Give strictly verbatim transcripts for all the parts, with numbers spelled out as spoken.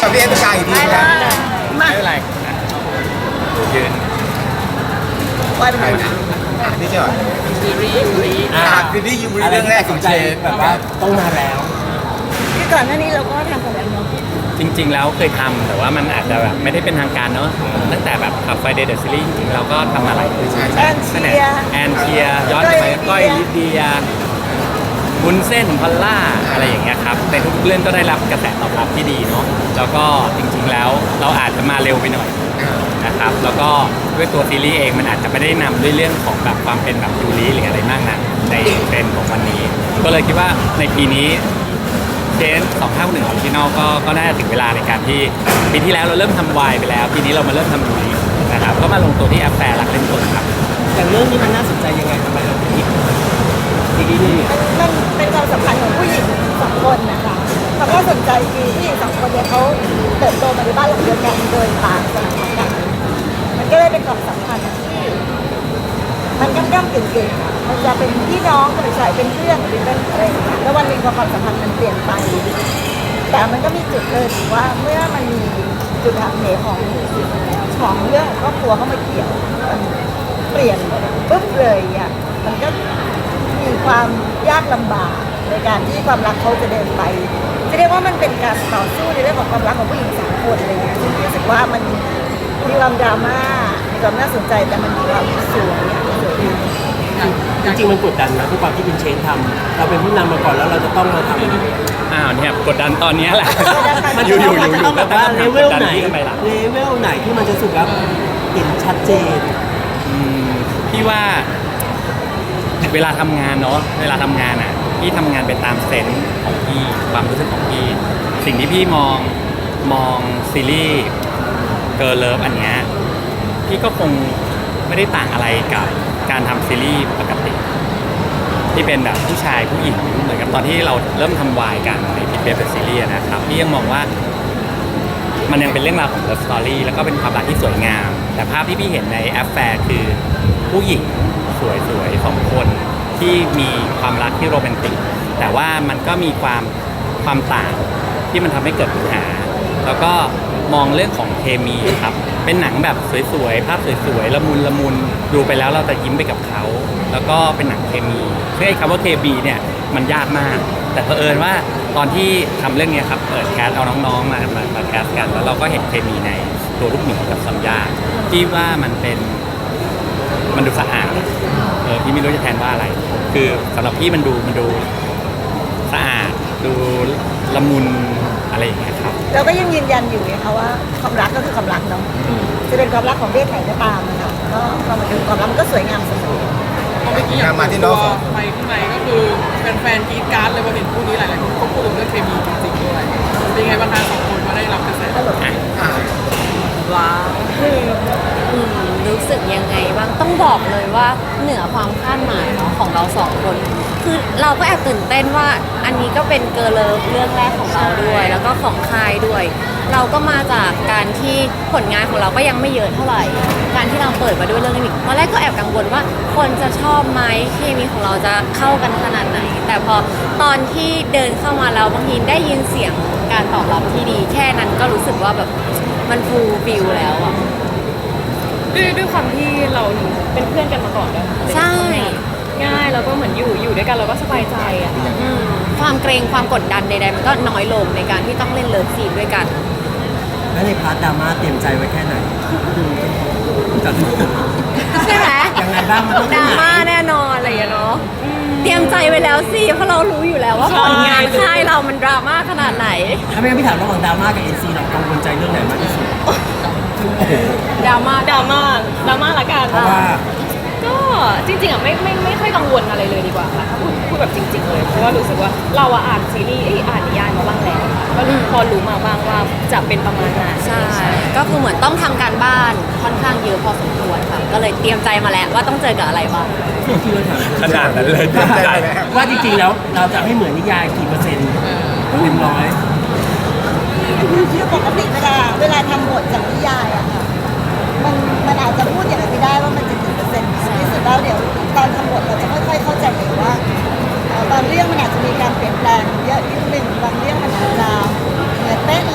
กับพี่เอ็นกายอีกทีนะไม่เป็นไรยืนว่าเป็นไงนะนี่ใช่ไหมซีรีส์ซีรีส์อ่าคือที่ยูริเรื่องแรกของเชนแบบว่าต้องมาแล้วที่ก่อนหน้านี้เราก็ทำกันแล้วเนาะจริงๆแล้วเคยทำแต่ว่ามันอาจจะแบบไม่ได้เป็นทางการเนาะตั้งแต่แบบขับไฟเดย์เดอะซีรีส์จริงๆเราก็ทำมาหลายปีแอนเชียแอนเชียย้อนไปก้อยลิเดียบุญเส้นพอลล่าอะไรอย่างเงี้ยครับในทุกเรื่องก็ได้รับกระแสตอบรับที่ดีเนาะแล้วก็จริงๆแล้วเราอาจจะมาเร็วไปหน่อยนะครับแล้วก็ด้วยตัวซีรีส์เองมันอาจจะไม่ได้นำด้วยเรื่องของแบบความเป็นแบบยูริหรืออะไรมากนะในเทรนด์ของวันนี้ก็เลยคิดว่าในปีนี้เชนสองห้าหนึ่งออริจินอลก็ก็น่าจะถึงเวลาในการที่ปีที่แล้วเราเริ่มทำวายไปแล้วปีนี้เรามาเริ่มทำยูรินะครับก็มาลงตัวที่แอปแฟร์รักเล่นตัวครับอย่างเรื่องนี้มันน่าสนใจยังไงทำไมเราถึงคิดซีรีส์นี้มันเป็นความสัมพันธ์ของผู้หญิงสองคนนะคะความน่าสนใจคือผู้หญิงสองคนเนี่ยเขาเติบโตมาในบ้านหลังเดียวกันโดยต่างสถานะกันมันก็เลยเป็นความสัมพันธ์ที่มันก้ำก้ำกึ่งกึ่งมันจะเป็นพี่น้องหรือใส่เป็นเพื่อนหรือเป็นอะไรอย่างเงี้ยแล้ววันหนึ่งพอความสัมพันธ์มันเปลี่ยนไปแต่มันก็มีจุดเลยถือว่าเมื่อมันมีจุดหักเหของของเรื่องครอบครัวเข้ามาเกี่ยวมันเปลี่ยนปุ๊บเลยอ่ะมันก็มีความยากลำบากในการที่ความรักเขาจะเดินไปจะเรียกว่ามันเป็นการต่อสู้ในเรื่องของความรักของผู้หญิงสามคนอะไรเงี้ยซึ่งรู้สึกว่ามันมีความดราม่ามีความน่าสนใจแต่มันมีความสวยอ่ะสวยดีจริงๆมันกดดันนะทุกความที่เป็นเชนทำเราเป็นผู้นำมาก่อนแล้วเราจะต้องมาทำอ้าวเนี่ยกดดันตอนนี้แหละมันอยู่อยู่อยู่ต้องแบบว่าเลเวลไหนเลเวลไหนที่มันจะสุดแล้วเห็นชัดเจนพี่ว่าเวลาทำงานเนาะเวลาทำงานอ่ะพี่ทำงานไปตามเซนส์ของพี่ความรู้สึกของพี่สิ่งที่พี่มองมองซีรีส์เกิร์ลเลิฟอันเนี้ยพี่ก็คงไม่ได้ต่างอะไรกับการทำซีรีส์ปกติที่เป็นแบบผู้ชายผู้หญิงเหมือนกับตอนที่เราเริ่มทำวายกันในพิทเบฟซีรีส์นะครับพี่ยังมองว่ามันยังเป็นเรื่องราวของเลิฟสตอรี่แล้วก็เป็นความรักที่สวยงามแต่ภาพที่พี่เห็นในแอปแฟร์คือผู้หญิงสวยๆสองคนที่มีความรักที่โรแมนติกแต่ว่ามันก็มีความความต่างที่มันทำให้เกิดปัญหาแล้วก็มองเรื่องของเคมีครับเป็นหนังแบบสวยๆภาพสวยๆละมุนละมุนดูไปแล้วเราจะยิ้มไปกับเขาแล้วก็เป็นหนังเคมีซึ่งไอ้คำว่าเคมีเนี่ยมันยากมากแต่เผอิญว่าตอนที่ทำเรื่องนี้ครับเปิดแคสเอาน้องๆมามามาแคสกันแล้วเราก็เห็นเคมีในตัวลูกหมีกับซัมยาที่ว่ามันเป็นมันดูสะอาดเออพี่ไม่รู้จะแทนว่าอะไรคือสำหรับพี่มันดูมันดูสะอาดดูละมุนอะไรอย่างเงี้ยครับเราก็ยังยืนยันอยู่ไงคะว่าความรักก็คือความรักเนาะจะเป็นความรักของเพศไหนก็ตามนะคะก็ความมันคือความรักมันก็สวยงามเสมอเมื่อกี้อย่างมาที่น้องไปข้างในก็คือแฟนๆกรี๊ดกราร์ดเลยพอเห็นคู่นี้หลายๆคนก็พูดถึงเรื่องเคมีจริงๆด้วยเป็นไงบ้างคะสองคนมาได้รับกระแสตลบว้าวรู้สึกยังไงบ้างต้องบอกเลยว่าเหนือความคาดหมายเนาะของเราสองคนคือเราก็แอบตื่นเต้นว่าอันนี้ก็เป็นเกิร์ลเลิฟเรื่องแรกของเราด้วยแล้วก็ของค่ายด้วยเราก็มาจากการที่ผลงานของเราก็ยังไม่เยอะเท่าไหร่การที่เราเปิดมาด้วยเรื่องนี้ตอนแรกก็แอบกังวลว่าคนจะชอบไหมเคมีของเราจะเข้ากันขนาดไหนแต่พอตอนที่เดินเข้ามาแล้วบางทีได้ยินเสียงการตอบรับที่ดีแค่นั้นก็รู้สึกว่าแบบมันฟูลฟิลแล้วอะด้วยด้วยความที่เราเป็นเพื่อนกันมาก่อนด้วยใช่ง่ายแล้วก็เหมือนอยู่อยู่ด้วยกันเราก็สบายใจอ่ะความเกรงความกดดันใดๆมันก็น้อยลงในการที่ต้องเล่นเลิฟซีนด้วยกันแล้วในพาร์ทดราม่าเตรียมใจไว้แค่ไหนจัดใช่ไหมยังไงบ้างมันต้องดราม่าแน่นอนอะไรอย่างเงี้ยเนาะเตรียมใจไว้แล้วสิเพราะเรารู้อยู่แล้วว่าผลงานค่ายเรามันดราม่าขนาดไหนถ้าไม่งั้นพี่ถามระหว่างดราม่ากับเอ็นซีเรากังวลใจเรื่องไหนมากที่สุดดราม่าดราม่าดราม่าละกันเพราะว่าก็จริงๆอ่ะไม่ไม่ไม่ค่อยกังวลอะไรเลยดีกว่าค่ะถ้าพูดพูดแบบจริงๆเลยเพราะว่ารู้สึกว่าเราอ่านซีรีส์อ่านนิยายมาบ้างแล้วก็พอรู้มาบ้างว่าจะเป็นประมาณนั้นใช่ก็คือเหมือนต้องทำการบ้านค่อนข้างเยอะพอสมควรค่ะก็เลยเตรียมใจมาแล้วว่าต้องเจอกับอะไรบ้างขนาดนั้นเลยว่าจริงๆแล้วเราจะให้เหมือนนิยายกี่เปอร์เซ็นต์เต็มร้อยคือปกติเวลาเวลาทำบทจากนิยายอะค่ะมันมันอาจจะพูดอย่างไรไม่ได้ว่ามันจะกี่เปอร์เซ็นต์ที่สุดแล้วเดี๋ยวตอนทำบทเราจะค่อยๆเข้าใจเองว่าบางเรื่องมันอาจจะมีการเปลี่ยนแปลงเยอะนิดนึงบางเรื่องมันอาจจะเหมือนเป๊ะเลยหรือ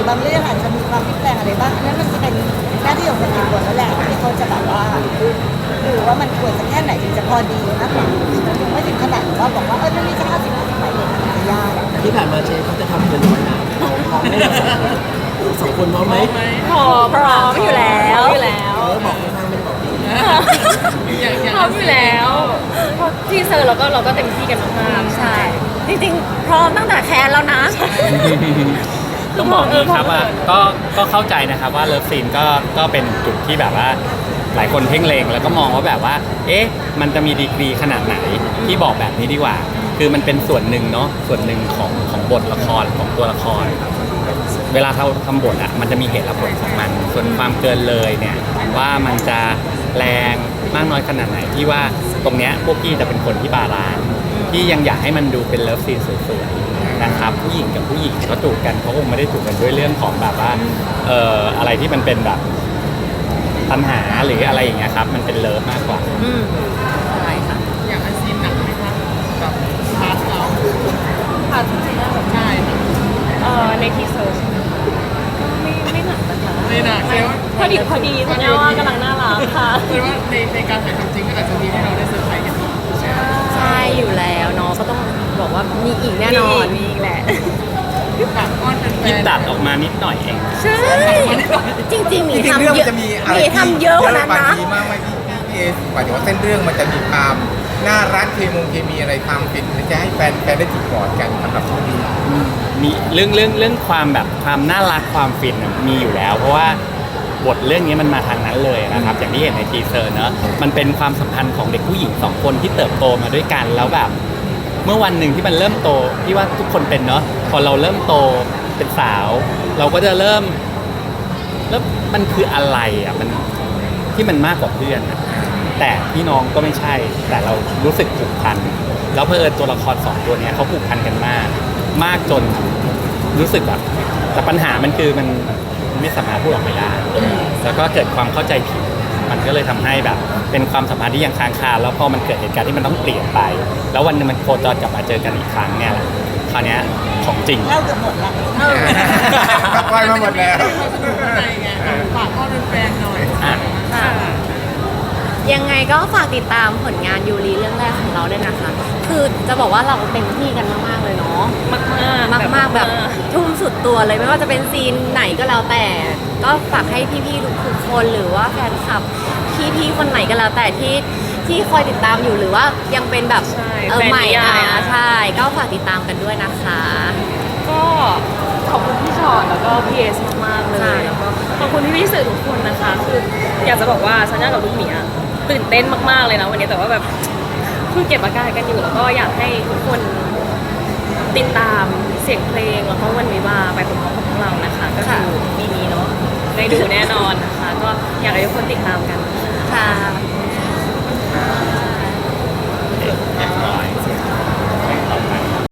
บางเรื่องอาจจะมีความพลิกแปลงอะไรบ้างอันนั้นมันจะเป็นหน้าที่ของคนเขียนบทแล้วแหละที่เขาจะแบบว่าดูว่ามันควรจะแค่ไหนถึงจะพอดีมากกว่าไม่ถึงขนาดว่าบอกว่าเออมันมีแค่ห้าสิบห้าสิบไปเลยมันจะยากที่ผ่านมาเชฟเขาจะทำเงินไว้นะเราพร้อมไหมเราสองคนพร้อมไหมพร้อมพร้อมอยู่แล้วอยู่แล้วเออบอกข้างๆไม่ได้บอกดีพร้อมอยู่แล้วเพราะที่เซอร์เราก็เราก็เต็มที่กันมากๆใช่ จริงๆ พร้อมตั้งแต่แคสแล้วนะต้องบอกนี้ครับว่าก็ก็เข้าใจนะครับว่าเลิฟซีนก็ก็เป็นจุดที่แบบว่าหลายคนเพ่งเลงแล้วก็มองว่าแบบว่า เอ๊ะมันจะมีดีกรีขนาดไหนที่บอกแบบนี้ดีกว่า คือมันเป็นส่วนหนึ่งเนาะส่วนหนึ่งของของบทละครของตัวละคร เวลาเราทำบทอ่ะมันจะมีเหตุและผลของมัน ส่วนความเกินเลยเนี่ยว่ามันจะแรงมากน้อยขนาดไหนที่ว่าตรงเนี้ยพวกพี่จะเป็นคนที่บาลานซ์ที่ยังอยากให้มันดูเป็นเลิฟซีนสวยๆนะครับผู้หญิงกับผู้หญิงเขาจูบกันเขาคงไม่ได้จูบกันด้วยเรื่องของแบบว่าเอ่ออะไรที่มันเป็นแบบปัญหาหรืออะไรอย่างเงี้ยครับมันเป็นเลิฟมากกว่าอืมใช่ค่ะอยากให้ซีนหนักไหมคะแบบพาร์ทเราค่ะจริงๆแล้วแบบใช่ค่ะเอ่อในทีเซอร์ก็ไม่ไม่หนักนะคะไม่หนักแค่ว่าพอดีพอดีสัญญาว่ากำลังน่ารักค่ะคือว่าในในการถ่ายทำจริงก็อาจจะมีให้เราได้เซอร์ไพรส์กันอีกใช่อยู่แล้วเนาะก็ต้องบอกว่ามีอีกแน่นอนมีอีกแหละฝากอ้อนแฟนๆที่ตัดออกมานิดหน่อยเองใช่จริงๆมีจริงๆทำเรื่องเยมันอะจะมีอะไรมีทำเยอะกว่านั้นบางนะทีมากไหมพี่พี่เอหมายถึงว่าเส้นเรื่องมันจะมีความน่ารักเคมงเคมีอะไรความฟินมันจะให้แฟนแฟนได้จิกกอดกันสำหรับคนดูมีเรื่องเรื่องเรื่องความแบบความน่ารักความฟินน่ะมีอยู่แล้ว เพราะว่าบทเรื่องนี้มันมาทางนั้นเลยนะครับ อย่างที่เห็นในทีเซอร์เนอะมันเป็นความสัมพันธ์ของเด็กผู้หญิงสองคนที่เติบโตมาด้วยกันแล้วแบบ เมื่อวันหนึ่งที่มันเริ่มโตที่ว่าทุกคนเป็นเนาะพอเราเริ่มโตเป็นสาว เราก็จะเริ่มแล้วมันคืออะไรอ่ะมันที่มันมากกว่าเพื่อนอะแต่พี่น้องก็ไม่ใช่ แต่เรารู้สึกผูกพันแล้วเพอเอิญตัวละครสองตัวเนี้ยเขาผูกพันกันมาก มากจนรู้สึกแบบแต่ปัญหามันคือมันไม่สามารถพูดออกไปได้แล้วก็เกิดความเข้าใจผิด มันก็เลยทำให้แบบเป็นความสัมพันธ์ที่ยังค้างคาแล้วพอมันเกิดเหตุการณ์ที่มันต้องเปลี่ยนไป แล้ววันหนึงมันโคจรกลับมาเจอกันอีกครั้งเนี่ยแหละคราวเนี้ยของจริงเล่าเกือบหมดแล้วปล่อยมาหมดแล้วอะไรไงฝากอ้อนแฟนๆหน่อยอ่ะค่ะยังไงก็ฝากติดตามผลงานยูรีเรื่องแรกของเราด้วยนะคะ คือจะบอกว่าเราเต็มที่กันมากๆเลยเนาะมากมากมากๆแบบทุ่มสุดตัวเลยไม่ว่าจะเป็นซีนไหนก็แล้วแต่ ก็ฝากให้พี่ๆทุกๆคนหรือว่าแฟนคลับพี่ๆคนไหนก็แล้วแต่ที่ที่คอยติดตามอยู่หรือว่ายังเป็นแบบใช่เออแฟนใหม่นิยาอ่ะยใช่ก็ฝากติดตามกันด้วยนะคะก็ขอบคุณพี่ชอตแล้วก็พี่เอสมากๆเลใช่ยแล้วก็ขอบคุณพี่พี่ๆสื่อทุกคนนะคะ คืออยากจะบอกว่าสัญญากับลูกหมีอะตื่นเต้นมากๆเลยนะวันนี้แต่ว่าแบบคือเก็บอาการกันอยู่แล้วก็อยากให้ทุกคนติดตามเสียงเพลงแล้วก็วันวิวาห์ไปพร้อมๆกับพวกเรานะคะ ก็คือปีนี้เนาะได้ดูแน่นอนนะคะ ก็